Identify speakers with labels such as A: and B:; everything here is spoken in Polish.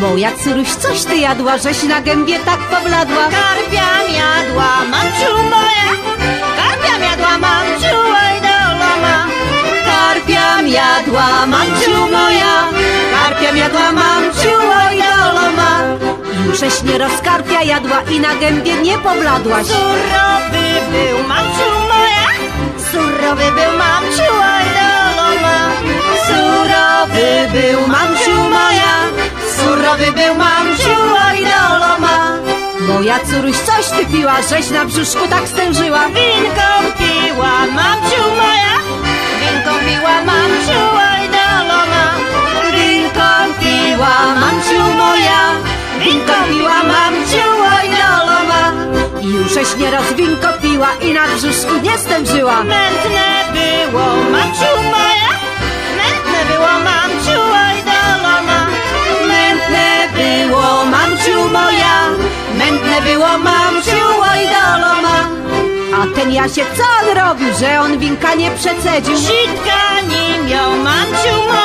A: Moja córuś, coś ty jadła, żeś na gębie tak pobladła.
B: Karpia jadła, mamciu moja. Karpia jadła, mamciu, oj doloma.
A: Karpia jadła, mamciu moja. Karpia jadła, mamciu, oj doloma. Jusześ nie rozkarpia jadła i na gębie nie pobladłaś.
B: Surowy był, mamciu moja. Surowy był, mamciu, oj doloma.
A: Surowy był, mamciu moja. Surowy był, mamciu, oj doloma. Moja córuś, coś ty piła, żeś na brzuszku tak stężyła.
B: Winką piła, mamciu moja. Winką piła, mamciu, oj doloma.
A: Winką piła, mamciu moja. Winką piła, mamciu, oj doloma. Jusześ nieraz winko piła i na brzuszku nie stężyła.
B: Mętne było, mamciu moja. Mętne było, mamciu, oj doloma.
A: Mętne było, mamciu moja. Mętne było, mamciu, oj doloma. A ten Jasiek, co on robił, że on winka nie przecedził?
B: Sitka nie miał, mamciu moja.